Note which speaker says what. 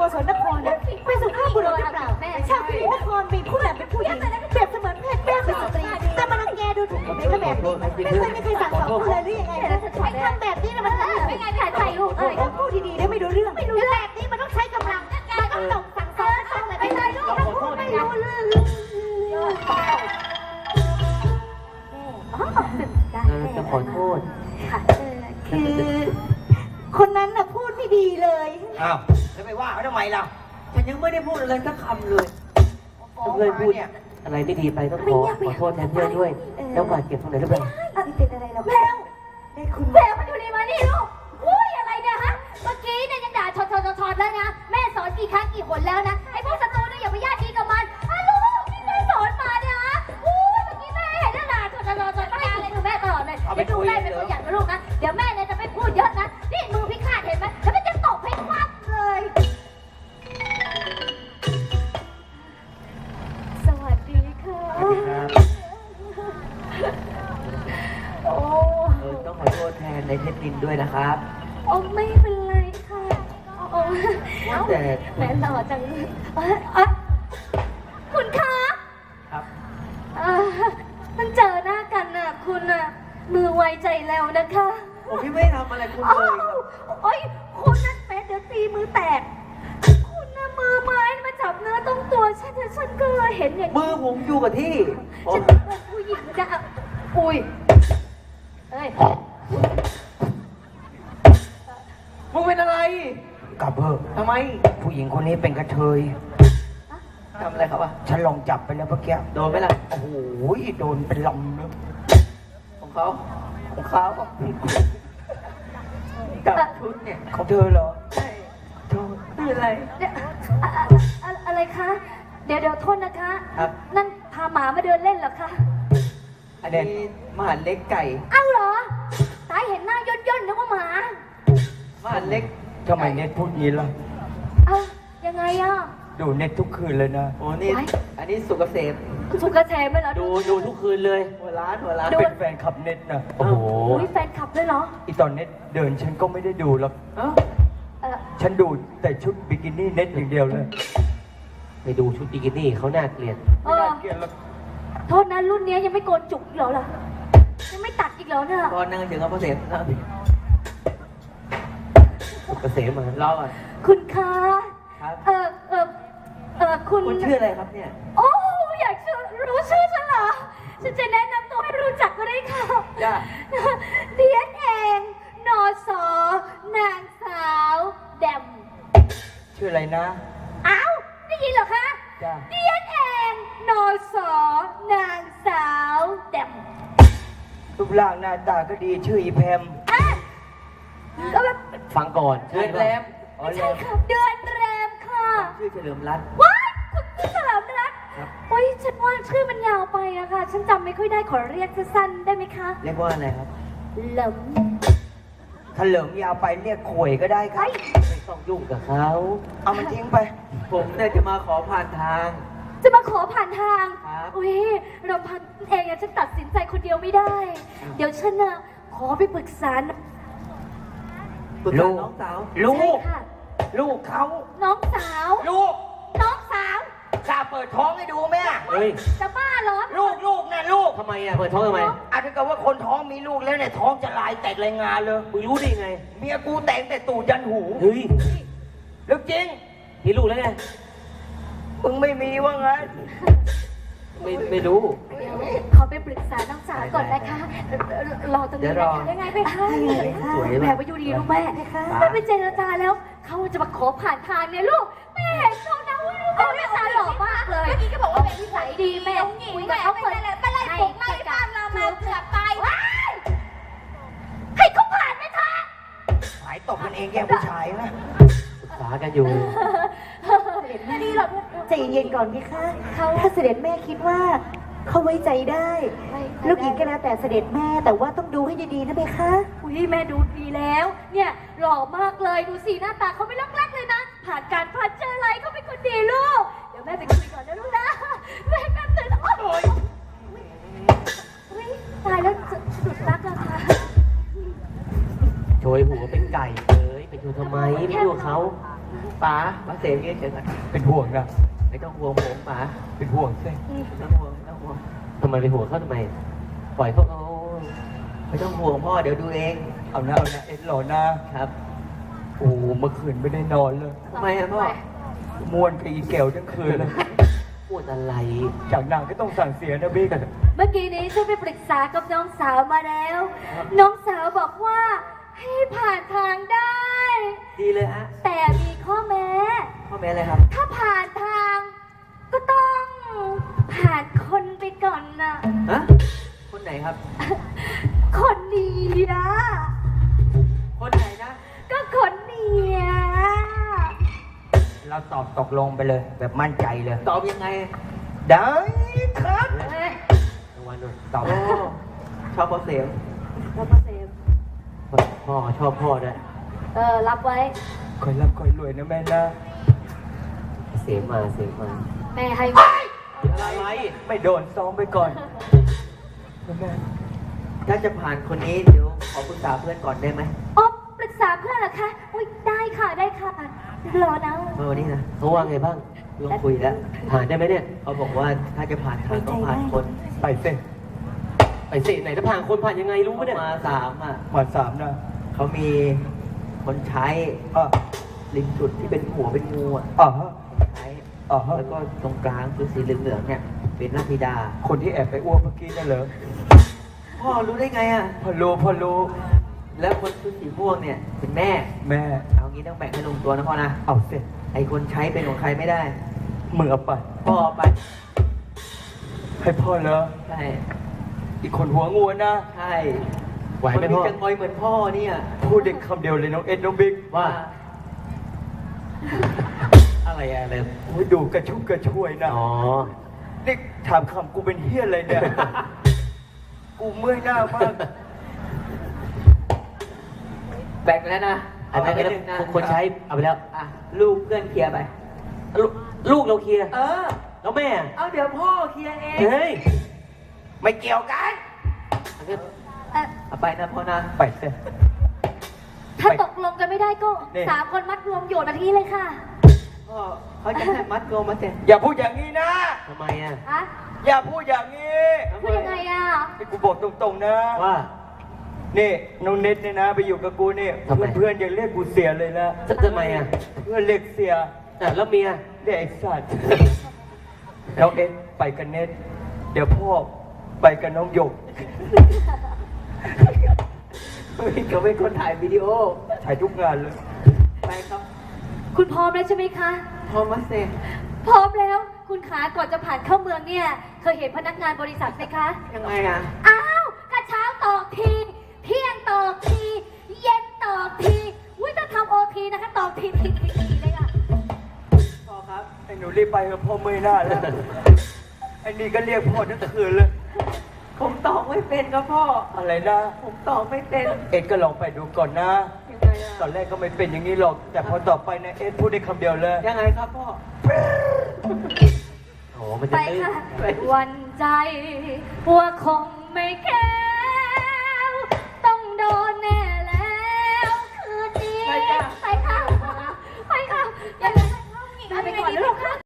Speaker 1: ศลนครนะเป็นสุภาพบุรุษหรือเปล่าชาวกรีนครมีผู้นำเป็นผู้หญิงเปรียบเสมือนเพศแม่เป็นสตรีแต่มารังแกดูถูกคนในแบบนี้ไม่เคยมีใครสั่งสอนเลยหรือยังไงนะไอ้ทำแบบนี้นะมันไม่ไงถ่ายใจลูกพูดดีๆได้ไม่รู้เรื่องแบบนี้มันต้องใช้กำลังมันต้องตกสั่งสอนต้องเลยไม่ได้ลูกพูดไม่รู้เรื่อง
Speaker 2: จะขอโทษ
Speaker 1: คือคนนั้นน่ะพูดไม่ดีเลย
Speaker 3: อ้าวแล้วไปว่าเขาทำไมล่ะ
Speaker 2: ฉันยังไม่ได้พูดอะไรสักคำเลยเพื่อนพูดอะไรไม่ดีไปต้องขอโทษแทนเพื่อนด้วย แล้วบาดเจ็บตรงไหนหรือเปล่า
Speaker 1: ไม่เป็นอะไรหรอกแล้วได้คุณ
Speaker 4: แมวมันอยู่ดีมานี่ลูกอุ้ยอะไรเนี่ยฮะ เมื่อกี้เนี่ยยังด่าชดแล้วนะ แม่สอนกี่ครั้งกี่หนแล้วนะ ไอ้พวกศัตรูเนี่ยอย่าไปญาติดีกับมันลูกที่แม่สอนมาเนี่ยฮะอุ้ยเมื่อกี้แม่เห็นด่าชดไม่อะไรหนูแม่ตลอดเลยเดี๋ยวดูแม่เป็นตัวอย่างนะลูกนะ เดี๋ยวแม่เนี่ยจะไม่พูดเยอะนะ นี่มือพิฆาตเห็นไหมแล้วมันจะตบให้ควักเลยสวัสดีค่ะโอ้
Speaker 2: ต้องขอโทษแทนในเทปดินด้วยนะครับ
Speaker 4: โอ้ไม่เป็นไรค่ะโอ้
Speaker 2: แต่
Speaker 4: แม่หล่อจังเลยคุณคะ
Speaker 2: ครับ
Speaker 4: มันเจอหน้ากันน่ะคุณน่ะมือไวใจแล้วนะคะ
Speaker 2: ผมไม่ทำอะไรคุณเลยครับ
Speaker 4: โอ้ยคุณนั่นแม่เดี๋ยวตีมือแตกคุณน่ะมือไม้มาจับเนื้อต้องตัวฉันก็เลยเห็นอย่าง
Speaker 2: มือผมอยู่กับที่
Speaker 4: ฉันเป็นผู้หญิงจะอุ้ยเอ้ย
Speaker 2: มึงเป็นอะไร
Speaker 3: กลับเถอะ
Speaker 2: ทำไม
Speaker 3: ผู้หญิงคนนี้เป็นกระเทย
Speaker 2: ทำอะไรครับ
Speaker 3: ฉันลองจับไปแล้วเมื่อกี้
Speaker 2: โดนไหมล่ะ
Speaker 3: โอ้โหโดนเป็นลำเลย
Speaker 2: ของเขากับชุดเนี่ย
Speaker 3: ของเธอเหรอ
Speaker 2: ใช่เธอเป็นอะไร
Speaker 4: อะไรคะเดี๋ยวโทษนะคะ
Speaker 2: ครับ
Speaker 4: นั่นพาหมามาเดินเล่นเหรอคะ
Speaker 2: อันนี้มหาเล็กไก่
Speaker 4: อ้าวเหรอตายเห็นหน้าย่นนึกว่าหมาม
Speaker 2: หาเล็ก
Speaker 3: ทำไมเน็ตพูดงี้ล่ะ
Speaker 4: เอ้ายังไงอ่ะ
Speaker 3: ดูเน็ตทุกคืนเลยนะ
Speaker 2: โอ้นี่อันนี้สุกเกษม
Speaker 4: สุกเกษมเลยเหรอ
Speaker 2: ดูทุกคืนเลยหัวร้าน
Speaker 3: เป็นแฟนคลับเน็ตนะโอ้โห
Speaker 4: แฟนคลับด้วยเหรอ
Speaker 3: อีตอนเน็ตเดินฉันก็ไม่ได้ดูหรอกฉันดูแต่ชุดบิกินี่เน็ตอย่างเดียวเลย
Speaker 2: ไปดูชุดบิกินี่เขาน่าเกลียด
Speaker 3: ไม่น่าเกลียดหรอก
Speaker 4: โทษนะรุ่นนี้ยังไม่โกนจุกอีกเหรอยังไม่ตัดอีกเหรอเนี่ย
Speaker 2: ตอนนั่งถึงเกษมนะสุกเกษมมาเล่าก่อน
Speaker 4: คุณคะ
Speaker 2: คุณชื่ออะไรครับเนี่ย
Speaker 4: โอ้อยากรู้ชื่อฉันเหรอฉันจะแนะนำตัวให้รู้จักก็ได้ค่ะเดียนเองนอสอนางสาวแดม
Speaker 3: ชื่ออะไรนะ
Speaker 4: อ้าวได้ยินเหรอคะเดียนเองนอสอนางสาวแดม
Speaker 3: รูปร่างหน้าตาก็ดีชื่ออีแพม
Speaker 4: ก็แบบ
Speaker 2: ฟังก่อน
Speaker 4: เดือนแรมใช่ค่ะเดือนแรมค่ะ
Speaker 2: ชื่อเฉลิมรัตน์
Speaker 4: ว้ายคุณชื่อเฉลิมรัตน์โอ้ยฉันว่าชื่อมันยาวไปอะค่ะฉันจำไม่ค่อยได้ขอเรียกสั้นๆได้ไหมคะ
Speaker 2: เรียกว่าอะไรครับ
Speaker 4: เหลิม
Speaker 3: ถ้าเหลิมยาวไปเรียกข่วยก็ได้ครับ
Speaker 2: ไม่ต้องยุ่งกับเขา
Speaker 3: เอามันทิ้งไป
Speaker 2: ผมเนี่ยจะมาขอผ่านทาง
Speaker 4: จะมาขอผ่านทางอุ้ยเราพันเองฉันตัดสินใจคนเดียวไม่ได้ เดี๋ยวฉันน่ะขอไปปรึกษา
Speaker 2: ลูกน้องสาว
Speaker 3: ลูกเขา
Speaker 4: น้องสาว
Speaker 3: ลูก
Speaker 4: น้องสาว
Speaker 3: กล้าเปิดท้องให้ดูไหม
Speaker 2: เฮ้ย
Speaker 4: จะบ้าเหรอ
Speaker 3: ลูกนะลูก
Speaker 2: ทำไมอ่ะเปิดท้องทำไม
Speaker 3: อาจจะเกิดว่าคนท้องมีลูกแล้วเนี่ยท้องจะลายแตกรายงานเลย
Speaker 2: มึงรู้ได้ไง
Speaker 3: เมียกูแต่งแต่ตูดยันหู
Speaker 2: เฮ้ย
Speaker 3: เรื่องจริง
Speaker 2: มีลูกแล้วไง
Speaker 3: มึงไม่มีว่างั้น
Speaker 2: ไม่รู้
Speaker 4: ขอไปปรึกษาน้องสาวก่อนนะคะรอตรงนี้นะคะได้ไงไปคะแม่ไปอยู่ดีลูกแม่ไม่ไปเจรจาแล้วเขาจะมาขอผ่านทางเนี่ยลูกแม่เห็นเขานะว่าลูกเขาเนี่ยตาหล่อมากเลยเมื่อกี้ก็บอกว่าเป็นนิสัยดีแม่คุยกับเขาเปิดไปไล่ปลุกมาที่บ้านเรามาเกือบไปให้เขาผ่านไหมคะ
Speaker 3: หายตบกันเองแย่งผู้ชายนะ
Speaker 2: ปรึกษากันอยู่
Speaker 1: ดีหรอกใจเย็นก่อนพี่คะถ้าเสด็จแม่คิดว่าเขาไว้ใจได้ลูกหญิงก็แล้วแต่เสด็จแม่แต่ว่าต้องดูให้ดีๆนะเบคะ
Speaker 4: อุ้ยแม่ดูดีแล้วเนี่ยหล่อมากเลยดูสีหน้าตาเขาไม่ลักเลยนะผ่านการผ่านเจออะไรเขาเป็นคนดีลูกเดี๋ยวแม่ไปคุยก่อนนะลูกนะแม่แป๊บนึงโอ้ยตายแล้วสะดุดรักอะค่ะ
Speaker 2: โชยหัวเป็นไก่เลยไปดูทำไมไม่ดูเขาป๋าป้าเสมยืนเฉยก่อน
Speaker 3: เป็นห่วงนะ
Speaker 2: ไม่ต้องห่วงผมป๋า
Speaker 3: เป็นห่วงสิ
Speaker 2: ไม่ต้องห่วงไม่ต้องห่วง
Speaker 5: ทำไมไปหัวเขาทำไม ปล่อยเขาเอา
Speaker 2: ไม่ต้องห่วงพ่อเดี๋ยวดูเอง
Speaker 3: เอานะเอ็ดหล่อนะครับ โอ้เมื่อคืนไม่ได้นอนเลย
Speaker 2: ทำไมอะพ่อ
Speaker 3: ม่วนกับอีแก้วทั้งคืนเลย
Speaker 5: พูดอะไร
Speaker 3: จากนางก็ต้องสั่งเสียนะบิ๊ก
Speaker 4: เมื่อกี้นี้ฉันไปปรึกษากับน้องสาวมาแล้ว น้องสาวบอกว่าให้ผ่านทางได้
Speaker 2: ดีเลยฮะ
Speaker 4: แต่มีข้อแม้
Speaker 2: พ่อแม่อะไรครับ
Speaker 4: ถ้าผ่านทาง ก็ต้องผ่านคนไปก่อนนะ
Speaker 2: ฮะคนไหนครับ
Speaker 4: คนนี้นะ
Speaker 2: คนไหนนะ
Speaker 4: ก็คนนี้อะ
Speaker 3: เราตอบตกลงไปเลย แบบมั่นใจเลย
Speaker 2: ตอบยังไง
Speaker 3: ได้ครับ
Speaker 4: เอ้ย
Speaker 5: รางวัลด้วย
Speaker 3: ตอบ
Speaker 2: โอ้ชอบพ่อเสม
Speaker 4: รับมาเซฟ
Speaker 5: พ่อชอบพ่อด้วย
Speaker 4: รับไว้
Speaker 3: คอยรับคอยรวยนะแม่นะ
Speaker 5: เสียมาเสียมา
Speaker 4: แม่ให้
Speaker 5: อะไร
Speaker 3: ไม่โดนซ้อมไปก่อนแม่
Speaker 2: ถ้าจะผ่านคนนี้เดี๋ยวขอปรึกษาเพื่อนก่อนได้ไหม
Speaker 4: อ๋อปรึกษาเพื่อนเหรอคะ อุ้ยได้ค่ะได้ค่ะ รอนะ
Speaker 2: เมื่อวันนี้นะ
Speaker 5: เขาว่าไงบ้าง
Speaker 2: ลองคุยแล้ว
Speaker 5: ผ่านได้ไหมเนี่ย
Speaker 2: เขาบอกว่าถ้าจะผ่านทางต้องผ่านคน
Speaker 3: ไปเส้
Speaker 5: ไปสิไหนจะผ่านคนผ่านยังไงรู้ไหมเนี่ย
Speaker 2: มาสามอ่ะ
Speaker 3: มาสามนะ
Speaker 2: เขามีคนใช้
Speaker 3: อ่ะ
Speaker 2: ริมสุดที่เป็นหัวเป็นงูอ่ะ
Speaker 3: อ่ะฮะ
Speaker 2: ใช้
Speaker 3: อ่าฮะ
Speaker 2: แล้วก็ตรงกลางคือสีเหลืองๆเนี่ยเป็นนาธิดา
Speaker 3: คนที่แอบไปอ้วกเมื่อกี้นั่นเหรอ
Speaker 2: พ่อรู้ได้ไงอ่ะ
Speaker 3: พอรู้
Speaker 2: แล้วคนชุดสีม่วงเนี่ยเป็นแม่
Speaker 3: แม่
Speaker 2: เอางี้ต้องแบ่งให้ลงตัวนะพ่อนะ
Speaker 3: เอาเสร็จ
Speaker 2: ไอคนใช้เป็นของใครไม่ได้
Speaker 3: มึงเอาไป
Speaker 2: พ่อเอาไป
Speaker 3: ให้พ่อเลย
Speaker 2: ใช่
Speaker 3: อีกคนหัวงูนะ
Speaker 2: ใช่
Speaker 5: ไหวไหม
Speaker 2: คน
Speaker 5: พ่อ
Speaker 2: จะงอยเหมือนพ่อเนี่ย
Speaker 3: พูดเด็กคำเดียวเลยน้องเอ็ดน้องบิ๊ก
Speaker 5: ว่า อะไรอะไร
Speaker 3: โอ้ยดูกระชุ่มกระชวยนะ
Speaker 5: อ๋อ
Speaker 3: นี่ถามคำกูเป็นเฮี้ยอะไรเนี่ย กูเมื่อยหน้ามาก
Speaker 2: แบ่งแล้วนะ
Speaker 5: อันนั้น
Speaker 2: เาไปหงะ
Speaker 5: คนใช้เอาไปแล้ว
Speaker 2: อ่ะลูกเพื่อนเคลียร์ไป
Speaker 5: ลูกเราเคลียร์
Speaker 2: เออ
Speaker 5: แล้วแม่อะ
Speaker 2: เอาเดี๋ยวพ่อเคลียร์เอง
Speaker 5: เฮ้ย
Speaker 3: ไม่เกี่ยวกัน
Speaker 5: อันนี้
Speaker 2: เอาไปนะพ่อนะ
Speaker 3: ไปเสร็จ
Speaker 4: ถ้าตกลงกันไม่ได้ก็
Speaker 3: นี่
Speaker 4: 3 คนมัดรวมโยนมาที่เลยค่ะ
Speaker 2: พ่อเขาจะให้มัดรวมมาเสร็จ
Speaker 3: อย่าพูดอย่างนี้นะ
Speaker 5: ทำไมอ่ะ
Speaker 4: อะ
Speaker 3: อย่าพูดอย่างนี้
Speaker 4: พูดยังไงอะ
Speaker 3: นี่กูบอกตรงๆนะ
Speaker 5: ว่า
Speaker 3: นี่น้องเน็ตเนี่ยนะ ไปอยู่กับกูนี่
Speaker 5: ทำไม
Speaker 3: เพื่อนๆยังเรียกกูเสียเลยนะ
Speaker 5: ทำไมอ่ะ
Speaker 3: เพื่อนเรียกเสีย
Speaker 5: แล้วเมีย
Speaker 3: เรียกไอ้สัตว์ น้องเอ็ดไปกับเน็ต เดี๋ยวพ่อไปกับน้องหยก
Speaker 2: เขาเป็นคนถ่ายวิดีโอ
Speaker 3: ถ่ายทุกงานเลย
Speaker 2: ไปครับ
Speaker 4: คุณพร้อมแล้วใช่ไหมคะ
Speaker 2: พ่อมาเสร็จ
Speaker 4: พร้อมแล้ว คุณขาก่อนจะผ่านเข้าเมืองเนี่ย เคยเห็นพนักงานบริษัทไหมคะ
Speaker 2: ยังไงอ่ะ
Speaker 4: อ้าวกระเช้าตอกที เที่ยงตอกที เย็นตอกทีอุ้ยต้องทำโอทีนะคะตอกทีเลยค่ะ
Speaker 2: พ่อครับ
Speaker 3: ไอ้หนูรีบไปกับพ่อเมื่อยหน้าแล้ว ไอ้นี่ก็เรียกพ่อทั้งคืนเลย
Speaker 2: ผมตอกไม่เป็นครับพ่อ
Speaker 3: อะไรนะ
Speaker 2: ผมตอกไม่เป็น
Speaker 3: เอ็ดก็ลองไปดูก่อนนะ
Speaker 2: ยังไงอ่ะ
Speaker 3: ตอนแรกก็ไม่เป็นอย่างนี้หรอก แต่พอต่อไปนะเอ็ดพูดได้คำเดียวเลย
Speaker 2: ยังไงครับพ่อ
Speaker 5: โอ้มัน
Speaker 4: ไป
Speaker 5: จะตื้น
Speaker 4: ค่ะ วันใจว่าคงไม่แก้วต้องโดนแน่แล้วคืนนี้
Speaker 2: ไปจ้ะ
Speaker 4: ไปค่ะ ไปค่ะ ไปก่อนลูกค่ะ